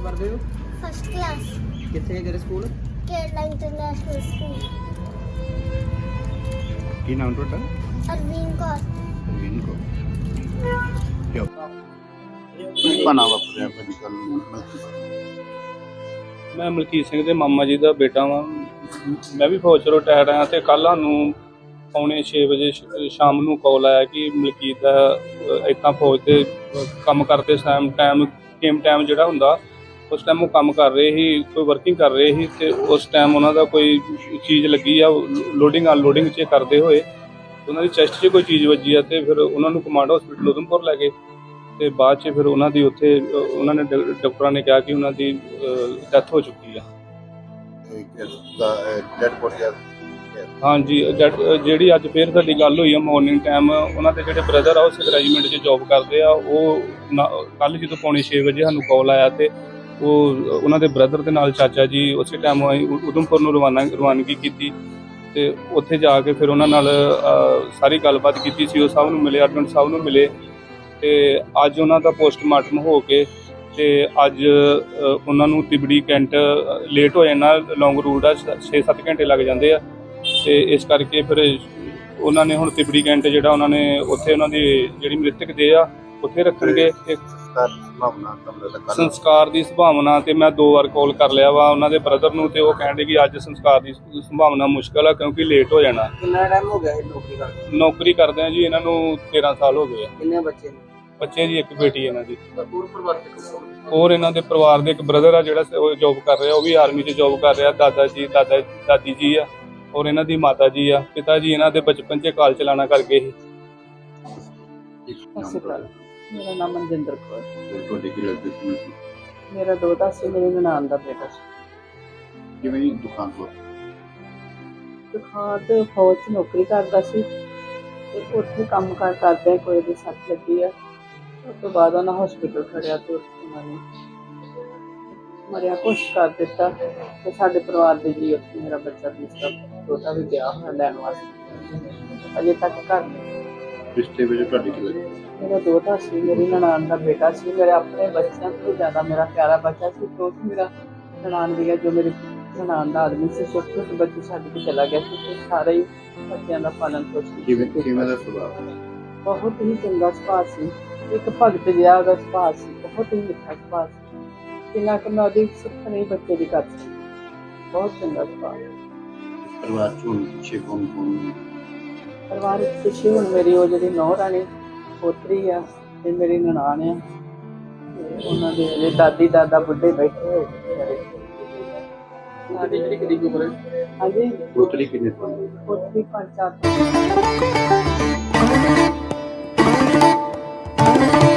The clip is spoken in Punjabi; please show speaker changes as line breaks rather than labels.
पढ़ते हो?
फर्स्ट क्लास
कितने है तेरे स्कूल?
Kerala international school.
ਕੀ ਨਾਮ ਤੁਹਾਡਾ?
अरविंद कौर।
ਰਵੀਨ ਕੋ ਕਿਉਂ ਕੀ ਬਣਾ ਵਾਪਰਿਆ ਭਾਜੀ ਕੱਲ
ਮੈਂ ਮਲਕੀਤ ਸਿੰਘ ਦੇ ਮਾਮਾ ਜੀ ਦਾ ਬੇਟਾ ਵਾਂ। ਮੈਂ ਵੀ ਫੌਜ 'ਚ ਰਿਟਾਇਰ ਆਇਆ ਤੇ ਕੱਲ੍ਹ ਸਾਨੂੰ ਪੌਣੇ 6 ਵਜੇ ਸ਼ਾਮ ਨੂੰ ਕਾਲ ਆਇਆ ਕਿ ਮਲਕੀਤ ਦਾ ਇੱਦਾਂ ਫੌਜ ਦੇ ਕੰਮ ਕਰਦੇ ਟਾਈਮ ਜਿਹੜਾ ਹੁੰਦਾ ਉਸ ਟਾਈਮ ਉਹ ਕੰਮ ਕਰ ਰਹੇ ਸੀ, ਕੋਈ ਵਰਕਿੰਗ ਕਰ ਰਹੇ ਸੀ ਤੇ ਉਸ ਟਾਈਮ ਉਹਨਾਂ ਦਾ ਕੋਈ ਚੀਜ਼ ਲੱਗੀ ਆ ਲੋਡਿੰਗ ਅਨਲੋਡਿੰਗ 'ਚ ਕਰਦੇ ਹੋਏ ਉਹਨਾਂ ਦੀ ਚੈਸਟ 'ਚ ਕੋਈ ਚੀਜ਼ ਵੱਜੀ ਆ ਤੇ ਫਿਰ ਉਹਨਾਂ ਨੂੰ ਕਮਾਂਡ ਹਸਪੀਟਲ ਉਧਮਪੁਰ ਲੈ ਗਏ ਤੇ ਬਾਅਦ 'ਚ ਫਿਰ ਉਹਨਾਂ ਦੀ ਉੱਥੇ ਉਹਨਾਂ ਨੇ ਡਾਕਟਰਾਂ ਨੇ ਕਿਹਾ ਕਿ ਉਹਨਾਂ ਦੀ ਡੈਥ ਹੋ ਚੁੱਕੀ ਆ।
ਡੈਡ ਬੋਡੀ
ਹਾਂਜੀ, ਜਿਹੜੀ ਅੱਜ ਫੇਰ ਸਾਡੀ ਗੱਲ ਹੋਈ ਆ ਮਾਰਨਿੰਗ ਟਾਈਮ, ਉਹਨਾਂ ਦੇ ਜਿਹੜੇ ਬ੍ਰਦਰ ਆ ਉਹ ਸਿੱਖ ਰੈਜੀਮੈਂਟ 'ਚ ਜੋਬ ਕਰਦੇ ਆ। ਉਹ ਕੱਲ੍ਹ ਜਦੋਂ ਪੌਣੇ 6 ਵਜੇ ਸਾਨੂੰ ਕਾਲ ਆਇਆ ਤੇ ਉਹ ਉਹਨਾਂ ਦੇ ਬ੍ਰਦਰ ਦੇ ਨਾਲ ਚਾਚਾ ਜੀ ਉਸੇ ਟਾਈਮ ਅਸੀਂ ਉਧਮਪੁਰ ਨੂੰ ਰਵਾਨਗੀ ਕੀਤੀ ਤੇ ਉੱਥੇ ਜਾ ਕੇ ਫਿਰ ਉਹਨਾਂ ਨਾਲ ਸਾਰੀ ਗੱਲਬਾਤ ਕੀਤੀ। ਸੀਓ ਸਾਹਿਬ ਨੂੰ ਮਿਲੇ, ਐਡਮਿਨ ਸਾਹਿਬ ਨੂੰ ਮਿਲੇ ਤੇ ਅੱਜ ਉਹਨਾਂ ਦਾ ਪੋਸਟਮਾਰਟਮ ਹੋ ਕੇ ਤੇ ਅੱਜ ਉਹਨਾਂ ਨੂੰ ਤਿਬੜੀ ਕੈਂਟ ਲੇਟ ਹੋ ਜਾਣਾ, ਲੌਂਗ ਰੂਟ ਆ 6-7 ਘੰਟੇ ਲੱਗ ਜਾਂਦੇ ਆ ਤੇ ਇਸ ਕਰਕੇ ਫਿਰ ਉਹਨਾਂ ਨੇ ਹੁਣ ਤਿਬੜੀ ਕੈਂਟ ਜਿਹੜਾ ਉਹਨਾਂ ਨੇ ਉੱਥੇ ਉਹਨਾਂ ਦੀ ਜਿਹੜੀ ਮ੍ਰਿਤਕ ਦੇਹ ਆ ਉੱਥੇ ਰੱਖਣਗੇ। ਸੰਸਕਾਰ ਦੀ ਸੰਭਾਵਨਾ ਤੇ ਮੈਂ 2 ਵਾਰ ਕਾਲ ਕਰ ਲਿਆ ਵਾ ਉਹਨਾਂ ਦੇ ਬ੍ਰਦਰ ਨੂੰ ਤੇ ਉਹ ਕਹਿੰਦੇ ਕਿ ਅੱਜ ਸੰਸਕਾਰ ਦੀ ਸੰਭਾਵਨਾ ਮੁਸ਼ਕਲ ਆ ਕਿਉਂਕਿ ਲੇਟ ਹੋ ਜਾਣਾ।
कितना टाइम हो गया है नौकरी करते?
ਨੌਕਰੀ ਕਰਦੇ ਆ ਜੀ ਇਹਨਾਂ ਨੂੰ 13 ਸਾਲ ਹੋ ਗਏ ਆ।
कितने बच्चे ने?
ਬੱਚੇ ਜੀ ਇੱਕ ਬੇਟੀ ਇਹਨਾਂ ਦੀ।
पूरे परिवार के कौन?
ਹੋਰ ਇਹਨਾਂ ਦੇ ਪਰਿਵਾਰ ਦੇ ਇੱਕ ਬ੍ਰਦਰ ਆ ਜਿਹੜਾ ਉਹ ਜੋਬ ਕਰ ਰਿਹਾ, ਉਹ ਵੀ ਆਰਮੀ 'ਚ ਜੋਬ ਕਰ ਰਿਹਾ। ਦਾਦੀ ਜੀ ਆ ਔਰ ਇਹਨਾਂ ਦੀ ਮਾਤਾ ਜੀ ਆ। ਪਿਤਾ ਜੀ ਇਹਨਾਂ ਦੇ ਬਚਪਨ 'ਚ ਕਾਲ ਚਲਾਣਾ ਕਰ ਗਏ ਸੀ।
ਸਤਿ ਸ਼੍ਰੀ ਅਕਾਲ। ਮੇਰਾ ਨਾਮ ਮਨਜਿੰਦਰ ਕੌਰ।
ਤੁਹਾਡੇ ਕੀ ਲੱਗਦੇ ਸੀ?
ਮੇਰਾ ਦੋਤਾ ਸੀ, ਮੇਰੀ ਨਨਾਣ ਦਾ ਬੇਟਾ ਸੀ।
ਕਿਵੇਂ ਦੀ ਦੁਕਾਨ ਤੋਂ
ਦੁਕਾਨ ਤੇ ਫੌਜ 'ਚ ਨੌਕਰੀ ਕਰਦਾ ਸੀ ਤੇ ਉੱਥੇ ਕੰਮ ਕਾਰ ਕਰਦੇ ਕੋਈ ਦੀ ਸੱਟ ਲੱਗੀ ਆ। ਉਸ ਤੋਂ ਬਾਅਦ ਉਹਨਾਂ ਹਸਪੀਟਲ ਖੜਿਆ ਤੇ ਉਹਨਾਂ ਨੇ ਮਰਿਆ ਕੁਛ ਕਰ ਦਿੱਤਾ ਤੇ ਸਾਡੇ ਪਰਿਵਾਰ ਦੇ ਜੀ ਉੱਥੇ ਮੇਰਾ ਬੱਚਾ ਦੂਸਰਾ ਦੋਤਾ ਵੀ ਗਿਆ ਹੋਇਆ ਲੈਣ ਵਾਸਤੇ, ਅਜੇ ਤੱਕ ਘਰ ਨਹੀਂ।
ਰਿਸ਼ਤੇ ਵਿੱਚ ਤੁਹਾਡੇ ਕੀ ਲੱਗਦੇ?
ਮੇਰਾ ਦੋਤਾ ਸੀ, ਮੇਰੀ ਨਨਾਣ ਦਾ ਬੇਟਾ ਸੀ। ਮੇਰੇ ਆਪਣੇ ਬੱਚਿਆਂ ਤੋਂ ਜ਼ਿਆਦਾ ਮੇਰਾ ਪਿਆਰਾ ਬੱਚਾ ਸੀ। ਤੋਂ ਮੇਰਾ ਨਨਾਣ ਦੀ ਜੋ ਮੇਰੀ ਨਨਾਣ ਦਾ ਆਦਮੀ ਸੀ, ਛੋਟੇ ਛੋਟੇ ਬੱਚੇ ਛੱਡ ਕੇ ਚਲਾ ਗਿਆ ਸੀ ਤੇ ਸਾਰੇ ਹੀ ਬੱਚਿਆਂ ਦਾ ਪਾਲਣ ਪੋਸ਼ਣ
ਕਿਵੇਂ ਦਾ ਸੁਭਾਅ?
ਬਹੁਤ ਹੀ ਚੰਗਾ ਸੁਭਾਅ ਸੀ। ਇੱਕ ਭਗਤ ਜਿਹਾ ਉਹਦਾ ਸੁਭਾਅ ਸੀ, ਬਹੁਤ ਹੀ ਮਿੱਠਾ ਸੁਭਾਅ ਸੀ। ਕਿੰਨਾ ਕਿ ਮੈਂ ਉਹਦੀ ਸਿੱਖ ਨਹੀਂ ਬੱਚੇ ਦੀ ਕਰ ਸਕਦੀ। ਬਹੁਤ ਚੰਗਾ ਸੁਭਾਅ।
ਪਰਿਵਾਰ ਚ ਹੁਣ ਪਿੱਛੇ ਕੌਣ
ਪਰਿਵਾਰ ਵਿੱਚ ਪਿੱਛੇ ਹੁਣ ਮੇਰੀ ਉਹ ਜਿਹੜੀ ਨੌਂ ਰਾਣੀ ਪੋਤਰੀ ਆ ਤੇ ਮੇਰੀ ਨਨਾਣ ਆ ਤੇ ਉਹਨਾਂ ਦੇ ਜਿਹੜੇ ਦਾਦੀ ਦਾਦਾ ਬੁੱਢੇ ਬੈਠੇ ਹੋਏ ਨੇ।
सारी कितनी की उम्र है?
ਹਾਂਜੀ,
ਪੋਤਰੀ ਕਿੰਨੇ ਸਾਲ ਦੀ?
ਪੋਤਰੀ 5-4